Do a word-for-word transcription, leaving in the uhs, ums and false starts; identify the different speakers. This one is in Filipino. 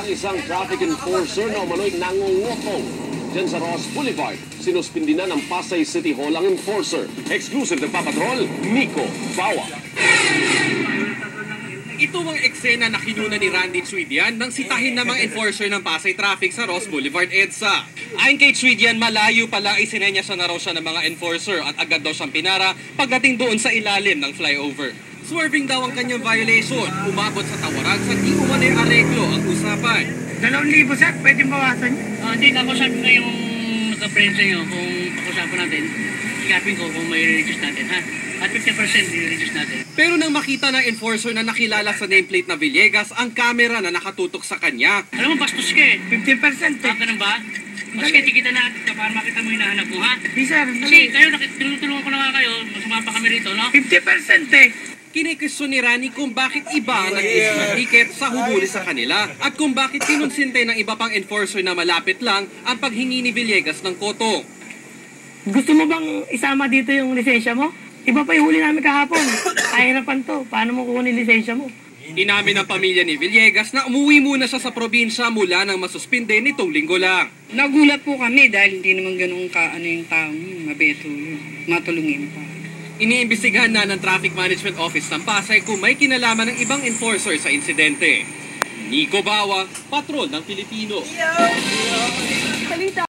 Speaker 1: ng isang traffic enforcer na umano'y nangungutong dyan sa Ross Boulevard. Sinuspindi na ng Pasay City Hall ang enforcer. Exclusive ng Papatrol, Nico Bawa.
Speaker 2: Ito ang eksena na kinuna ni Randy Chuidian nang sitahin ng mga enforcer ng Pasay Traffic sa Ross Boulevard EDSA. Ayon kay Chuidian, malayo pala isinenyasa na raw siya ng mga enforcer at agad daw siyang pinara pagdating doon sa ilalim ng flyover. Swerving daw ang kanyang violation, umabot sa tawaran sa di umano'y areglo ang usapan.
Speaker 3: Dalawang libo, sir, pwede bawasan niyo?
Speaker 4: Uh, hindi, kakusap ko yung nagka-friend sa inyo kung pag-usapan natin. Ikapin ko kung may reduce natin, ha? At fifty percent i-reduce natin.
Speaker 2: Pero nang makita ng enforcer na nakilala sa nameplate na Villegas, ang camera na nakatutok sa kanya.
Speaker 4: Alam mo, bastos ka eh.
Speaker 3: fifty percent eh.
Speaker 4: Ah, ganun ba? Mas kaya tikita natin ka para makita mo yung hinahanap mo, ha?
Speaker 3: Di, sir.
Speaker 4: Kasi kayo, tinutulungan ko na nga kayo, sumapa kami rito, no?
Speaker 3: fifty percent eh.
Speaker 2: Kinikwestiyon ni Rani kung bakit iba ang nag-issue ng ticket sa hubuli sa kanila at kung bakit kinunsinte ng iba pang enforcer na malapit lang ang paghingi ni Villegas ng koto.
Speaker 3: Gusto mo bang isama dito yung lisensya mo? Iba pa yung huli namin kahapon. Kahirapan to. Paano mo kukunin lisensya mo?
Speaker 2: Inamin ng pamilya ni Villegas na umuwi muna siya sa probinsya mula nang masuspinde nitong linggo lang.
Speaker 5: Nagulat po kami dahil hindi naman ganun ka ano yung taong mabeto yun. Matulungin pa.
Speaker 2: Iniimbestigahan na ng Traffic Management Office ng Pasay kung may kinalaman ng ibang enforcer sa insidente. Nico Bawa, Patrol ng Pilipino.